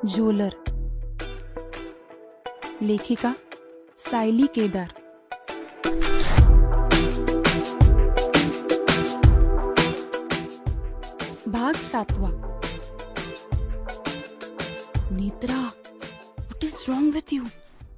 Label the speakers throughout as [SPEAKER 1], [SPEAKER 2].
[SPEAKER 1] झोलर. लेखिका सायली केदार. भाग 7. Netra, what is wrong with you?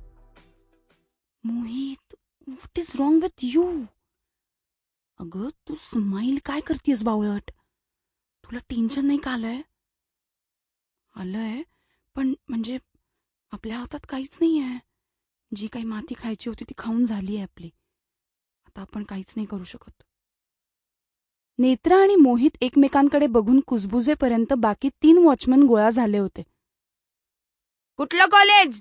[SPEAKER 1] Mohit, what is wrong with you? अगं, तू स्माईल काय करतेस बावळट? तुला टेन्शन नाही का आलंय? आलंय, पण म्हणजे आपल्या हातात काहीच नाही आहे. जी काही माती खायची होती ती खाऊन झाली आहे आपली. आता आपण काहीच नाही करू शकत. नेत्रा आणि मोहित एकमेकांकडे बघून कुजबुजेपर्यंत बाकी 3 वॉचमन गोळा झाले होते. कुठलं कॉलेज?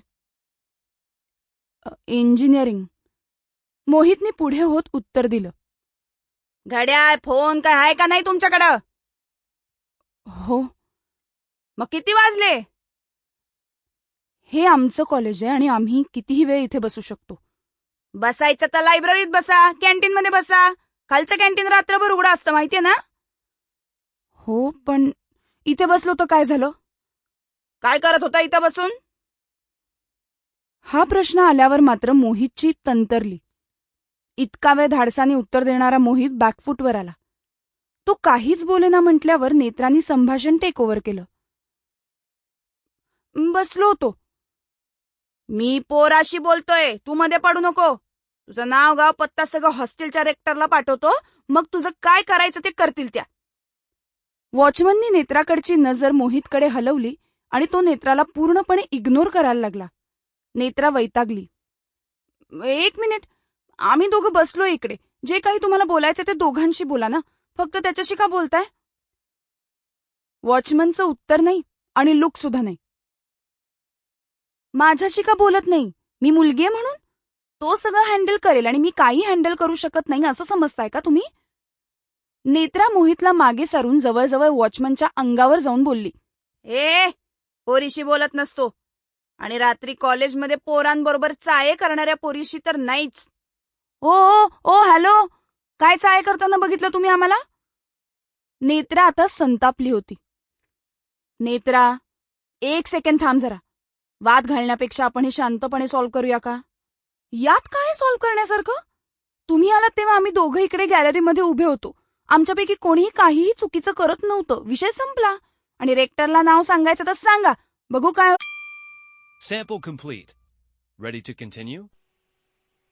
[SPEAKER 1] इंजिनिअरिंग. मोहितने पुढे होत उत्तर दिलं. घड्याळ, फोन काय आहे का नाही तुमच्याकडं? हो. मग किती वाजले? हे आमचं कॉलेज आहे आणि आम्ही कितीही वेळ इथे बसू शकतो. बसायचं तर लायब्ररीत बसा, कॅन्टीन मध्ये बसा. खालचं कॅन्टीन रात्रभर उघडं असतं, माहितीये ना? हो, पण इथे बसलो तर काय झालं? काय करत होता इथं बसून? हा प्रश्न आल्यावर मात्र मोहितची तंतरली. इतका वेळ धाडसाने उत्तर देणारा मोहित बॅकफूटवर आला. तो काहीच बोलेना म्हटल्यावर नेत्रांनी संभाषण टेक ओव्हर केलं. बसलो होतो. मी पोराशी बोलतोय, तू मध्ये पडू नको. तुझं नाव गाव पत्ता सगळं हॉस्टेलच्या रेक्टरला पाठवतो, मग तुझं काय करायचं ते करतील त्या. वॉचमननी नेत्राकडची नजर मोहितकडे हलवली आणि तो नेत्राला पूर्णपणे इग्नोर करायला लागला. नेत्रा वैतागली. 1 मिनिट, आम्ही दोघं बसलो इकडे. जे काही तुम्हाला बोलायचं ते दोघांशी बोला ना, फक्त त्याच्याशी का बोलताय? वॉचमनचं उत्तर नाही आणि लुक सुद्धा नाही. माझ्याशी का बोलत नाही? मी मुलगी आहे म्हणून? तो सगळं हँडल करेल आणि मी काही हँडल करू शकत नाही असं समजताय का तुम्ही? नेत्रा मोहितला मागे सारून जवळजवळ वॉचमनच्या अंगावर जाऊन बोलली. पोरीशी बोलत नसतो. आणि रात्री कॉलेजमध्ये पोरांबरोबर चाये करणाऱ्या पोरीशी तर नाहीच. ओ हॅलो, काय चाये करताना बघितलं तुम्ही आम्हाला? नेत्रा आता संतापली होती. नेत्रा, 1 सेकंड थांब जरा. वाद घालण्यापेक्षा आपण हे शांतपणे सॉल्व्ह करूया का? यात काय सॉल्व्ह करण्यासारखं? तुम्ही आलात तेव्हा आम्ही दोघं इकडे गॅलरीमध्ये उभे होतो. आमच्यापैकी कोणीही काहीही चुकीचं करत नव्हतं. विषय संपला. आणि रेक्टरला नाव सांगायचं तर सांगा, बघू काय.
[SPEAKER 2] Sample complete. Ready to continue?